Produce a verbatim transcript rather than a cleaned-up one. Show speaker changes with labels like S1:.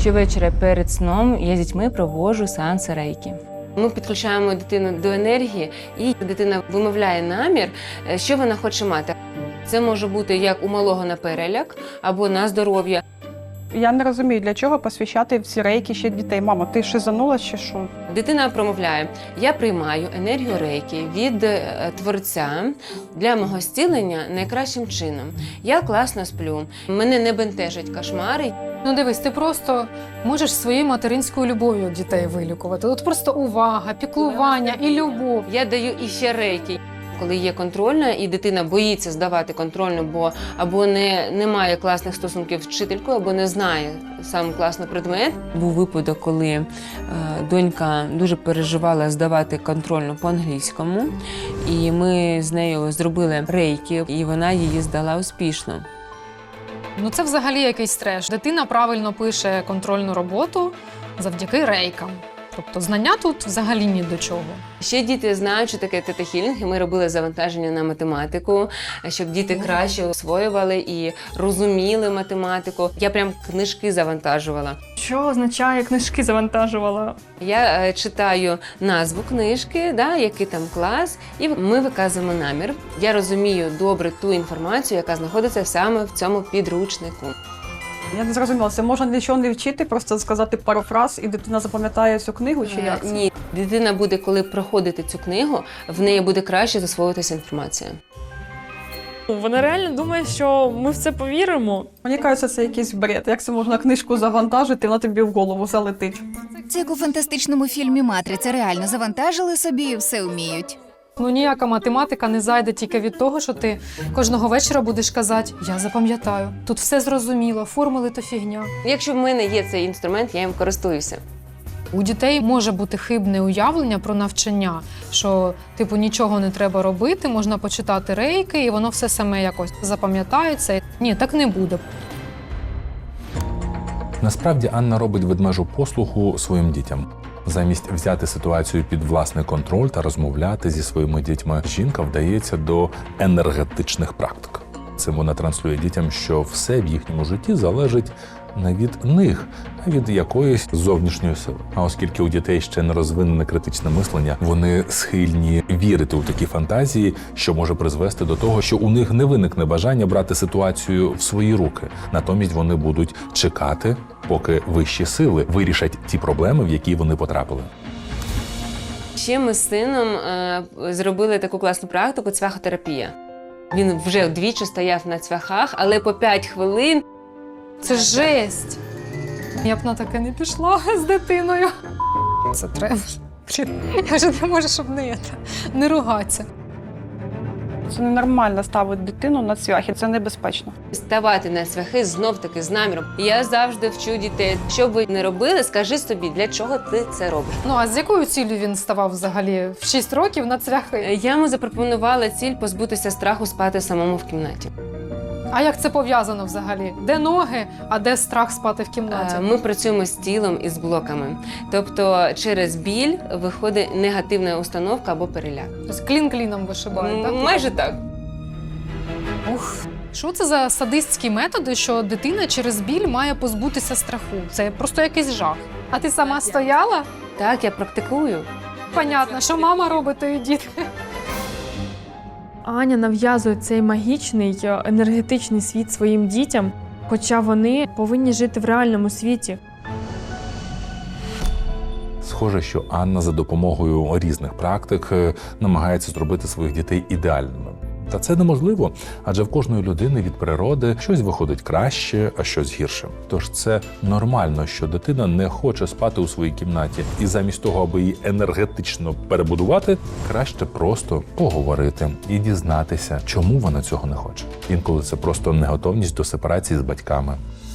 S1: Щовечора перед сном я з дітьми проводжу сеанси рейкі. Ми підключаємо дитину до енергії, і дитина вимовляє намір, що вона хоче мати. Це може бути як у малого на переляк або на здоров'я.
S2: Я не розумію, для чого посвящати в ці рейки ще дітей. Мама, ти шизанула чи що?
S1: Дитина промовляє: я приймаю енергію рейки від е, Творця для мого зцілення найкращим чином. Я класно сплю, мене не бентежать кошмари.
S3: Ну дивись, ти просто можеш своєю материнською любов'ю дітей вилікувати. От просто увага, піклування і любов.
S1: Я даю іще рейки. Коли є контрольна, і дитина боїться здавати контрольну, бо або не, не має класних стосунків з вчителькою, або не знає сам класний предмет. Був випадок, коли е, донька дуже переживала здавати контрольну по-англійському, і ми з нею зробили рейки, і вона її здала успішно.
S3: Ну це взагалі якийсь треш. Дитина правильно пише контрольну роботу завдяки рейкам. Тобто знання тут взагалі ні до чого.
S1: Ще діти знають, що таке тета-хілінг, і ми робили завантаження на математику, щоб діти краще освоювали і розуміли математику. Я прям книжки завантажувала.
S4: Що означає книжки завантажувала?
S1: Я е, читаю назву книжки, да, який там клас, і ми виказуємо намір. Я розумію добре ту інформацію, яка знаходиться саме в цьому підручнику.
S2: Я не зрозуміла, це можна нічого не вчити, просто сказати пару фраз, і дитина запам'ятає цю книгу, чи як це?
S1: Ні, дитина буде, коли проходити цю книгу, в неї буде краще засвоюватися інформація.
S4: Вона реально думає, що ми в це повіримо.
S2: Мені кажеться, це якийсь бред. Як це можна книжку завантажити, вона тобі в голову залетить?
S5: Це як у фантастичному фільмі «Матриця». Реально завантажили собі і все вміють.
S3: Ну ніяка математика не зайде тільки від того, що ти кожного вечора будеш казати: я запам'ятаю, тут все зрозуміло, формули то фігня.
S1: Якщо в мене є цей інструмент, я їм користуюся.
S3: У дітей може бути хибне уявлення про навчання, що типу нічого не треба робити, можна почитати рейки, і воно все саме якось запам'ятається. Ні, так не буде.
S6: Насправді Анна робить ведмежу послугу своїм дітям. Замість взяти ситуацію під власний контроль та розмовляти зі своїми дітьми, жінка вдається до енергетичних практик. Цим вона транслює дітям, що все в їхньому житті залежить не від них, а від якоїсь зовнішньої сили. А оскільки у дітей ще не розвинене критичне мислення, вони схильні вірити у такі фантазії, що може призвести до того, що у них не виникне бажання брати ситуацію в свої руки. Натомість вони будуть чекати, поки вищі сили вирішать ті проблеми, в які вони потрапили.
S1: Ще ми з сином е, зробили таку класну практику – цвяхотерапія. Він вже двічі стояв на цвяхах, але по п'ять хвилин.
S3: Це жесть! Я б на таке не пішла з дитиною. Це треба. Я вже не можу, щоб не, не ругатися.
S2: Це ненормально ставити дитину на цвяхи, це небезпечно.
S1: Ставати на цвяхи знов-таки з наміром. Я завжди вчу дітей, що б ви не робили, скажи собі, для чого ти це робиш.
S3: Ну а з якою ціллю він ставав взагалі в шість років на цвяхи?
S1: Я йому запропонувала ціль позбутися страху спати самому в кімнаті.
S3: А як це пов'язано взагалі? Де ноги, а де страх спати в кімнаті?
S1: Ми працюємо з тілом і з блоками. Тобто через біль виходить негативна установка або переляк.
S3: Тобто клін кліном вишибають, так?
S1: Майже так.
S3: Ух. Що це за садистські методи, що дитина через біль має позбутися страху? Це просто якийсь жах. А ти сама стояла?
S1: Так, я практикую.
S3: Понятно, що мама робить, то і діти.
S4: Аня нав'язує цей магічний енергетичний світ своїм дітям, хоча вони повинні жити в реальному світі.
S6: Схоже, що Анна за допомогою різних практик намагається зробити своїх дітей ідеальними. Та це неможливо, адже в кожної людини від природи щось виходить краще, а щось гірше. Тож це нормально, що дитина не хоче спати у своїй кімнаті. І замість того, аби її енергетично перебудувати, краще просто поговорити і дізнатися, чому вона цього не хоче. Інколи це просто неготовність до сепарації з батьками.